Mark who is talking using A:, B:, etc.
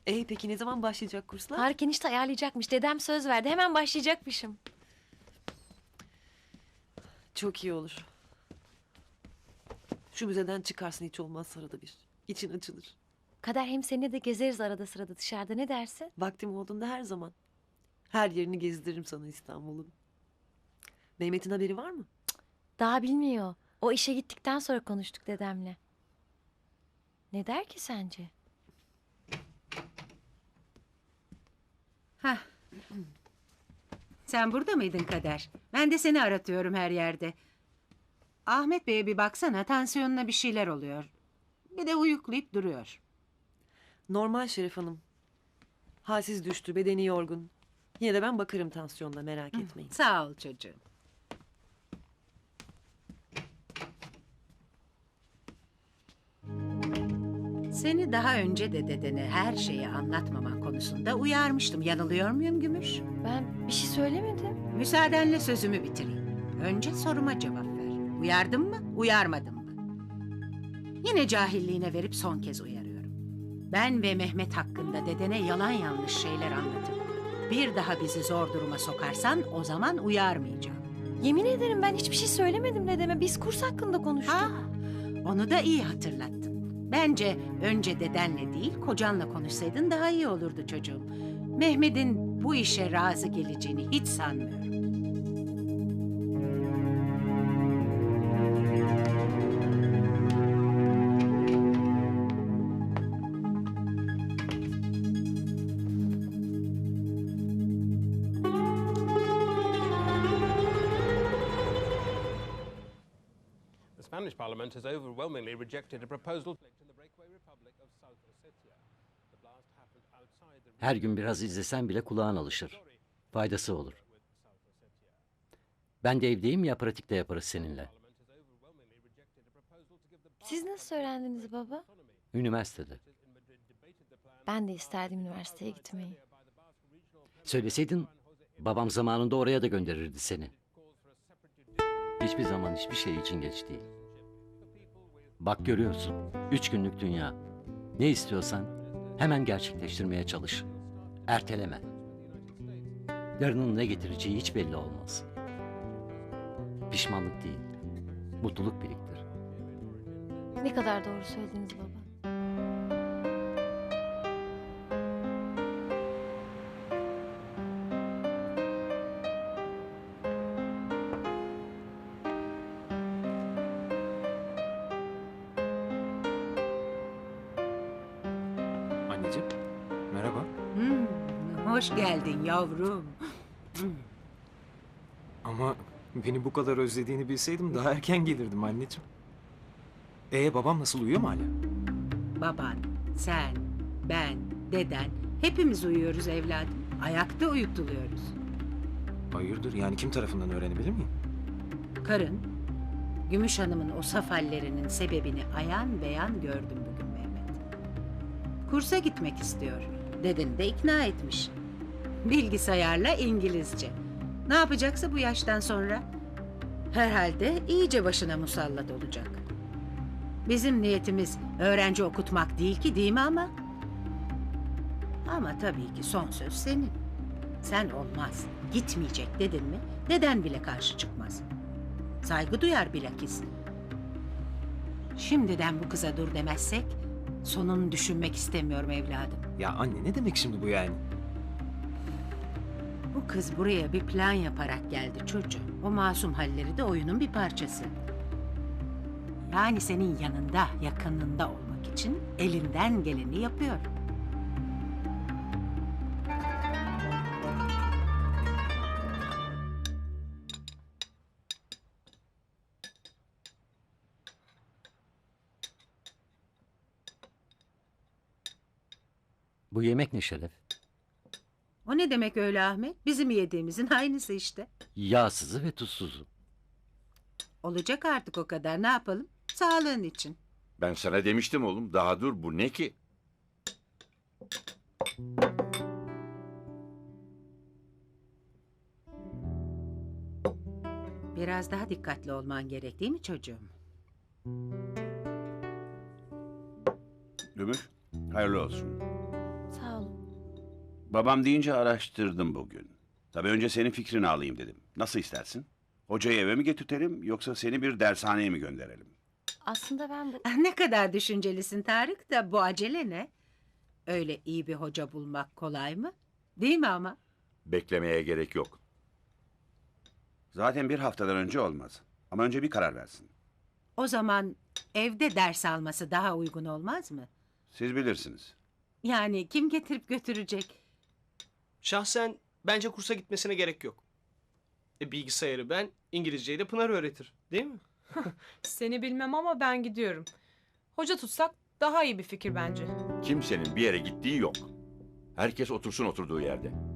A: Peki ne zaman başlayacak kurslar?
B: Tarık enişte ayarlayacakmış. Dedem söz verdi. Hemen başlayacakmışım.
A: Çok iyi olur. Şu müzeden çıkarsın hiç olmazsa arada bir. İçin açılır.
B: Kader hem seninle de gezeriz arada sırada dışarıda. Ne dersin?
A: Vaktim olduğunda her zaman. Her yerini gezdiririm sana İstanbul'un. Mehmet'in haberi var mı?
B: Daha bilmiyor. O işe gittikten sonra konuştuk dedemle. Ne der ki sence?
C: Hah. Sen burada mıydın Kader? Ben de seni aratıyorum her yerde. Ahmet Bey'e bir baksana, tansiyonuna bir şeyler oluyor. Bir de uyuklayıp duruyor.
A: Normal Şeref Hanım. Halsiz düştü, bedeni yorgun. Yine de ben bakarım tansiyonuna, merak etmeyin.
C: Sağ ol çocuğum. Seni daha önce de dedene her şeyi anlatmaman konusunda uyarmıştım. Yanılıyor muyum Gümüş?
B: Ben bir şey söylemedim.
C: Müsaadenle sözümü bitireyim. Önce soruma cevap ver. Uyardım mı, uyarmadım mı? Yine cahilliğine verip son kez uyarıyorum. Ben ve Mehmet hakkında dedene yalan yanlış şeyler anlatıp bir daha bizi zor duruma sokarsan o zaman uyarmayacağım.
B: Yemin ederim ben hiçbir şey söylemedim dedeme. Biz kurs hakkında konuştuk.
C: Ha, onu da iyi hatırlattın. Bence önce dedenle değil kocanla konuşsaydın daha iyi olurdu çocuğum. Mehmet'in bu işe razı geleceğini hiç sanmıyorum.
D: The Spanish Parliament has overwhelmingly rejected a proposal in the breakaway Republic of South Ossetia. The blast happened outside the
E: Her gün biraz izlesen bile kulağın alışır. Faydası olur. Ben de evdeyim ya, pratikte yaparız seninle.
B: Siz nasıl öğrendiniz baba?
E: Üniversitede.
B: Ben de isterdim üniversiteye gitmeyi.
E: Söyleseydin babam zamanında oraya da gönderirdi seni. Hiçbir zaman hiçbir şey için geç değil. Bak görüyorsun, 3 günlük dünya. Ne istiyorsan hemen gerçekleştirmeye çalış. Erteleme. Yarının ne getireceği hiç belli olmaz. Pişmanlık değil, mutluluk biriktir.
B: Ne kadar doğru söylediniz baba.
F: Anneciğim, merhaba.
C: Hoş geldin yavrum.
F: Ama beni bu kadar özlediğini bilseydim daha erken gelirdim anneciğim. Babam nasıl, uyuyor mu hala?
C: Baban, sen, ben, deden hepimiz uyuyoruz evladım. Ayakta uyutuluyoruz.
F: Hayırdır, yani kim tarafından öğrenebilir miyim?
C: Karın, Gümüş Hanım'ın o saf hallerinin sebebini ayan beyan gördüm bugün Mehmet. Kursa gitmek istiyor. Dedeni de ikna etmiş. Bilgisayarla İngilizce. Ne yapacaksa bu yaştan sonra herhalde iyice başına musallat olacak. Bizim niyetimiz öğrenci okutmak değil ki, değil mi ama? Ama tabii ki son söz senin. Sen olmaz, gitmeyecek dedin mi, deden bile karşı çıkmaz. Saygı duyar bilakis. Şimdiden bu kıza dur demezsek sonunu düşünmek istemiyorum evladım.
F: Ya anne, ne demek şimdi bu yani?
C: Bu kız buraya bir plan yaparak geldi çocuğum. O masum halleri de oyunun bir parçası. Yani senin yanında, yakınında olmak için elinden geleni yapıyor.
E: Bu yemek ne Şeref?
C: O ne demek öyle Ahmet? Bizim yediğimizin aynısı işte.
E: Yağsızı ve tuzsuzu.
C: Olacak artık o kadar, ne yapalım? Sağlığın için.
G: Ben sana demiştim oğlum. Daha dur, bu ne ki?
C: Biraz daha dikkatli olman gerek değil mi çocuğum?
G: Gümüş, hayırlı olsun.
B: Sağ olun.
H: Babam deyince araştırdım bugün. Tabii önce senin fikrini alayım dedim. Nasıl istersin? Hocayı eve mi getirtelim yoksa seni bir dershaneye mi gönderelim?
B: Aslında ben bu...
C: Ah, ne kadar düşüncelisin Tarık da bu acele ne? Öyle iyi bir hoca bulmak kolay mı? Değil mi ama?
G: Beklemeye gerek yok.
H: Zaten bir haftadan önce olmaz. Ama önce bir karar versin.
C: O zaman evde ders alması daha uygun olmaz mı?
H: Siz bilirsiniz.
C: Yani kim getirip götürecek?
I: Şahsen bence kursa gitmesine gerek yok. Bilgisayarı ben, İngilizceyi de Pınar öğretir. Değil mi?
J: Seni bilmem ama ben gidiyorum. Hoca tutsak daha iyi bir fikir bence.
G: Kimsenin bir yere gittiği yok. Herkes otursun oturduğu yerde.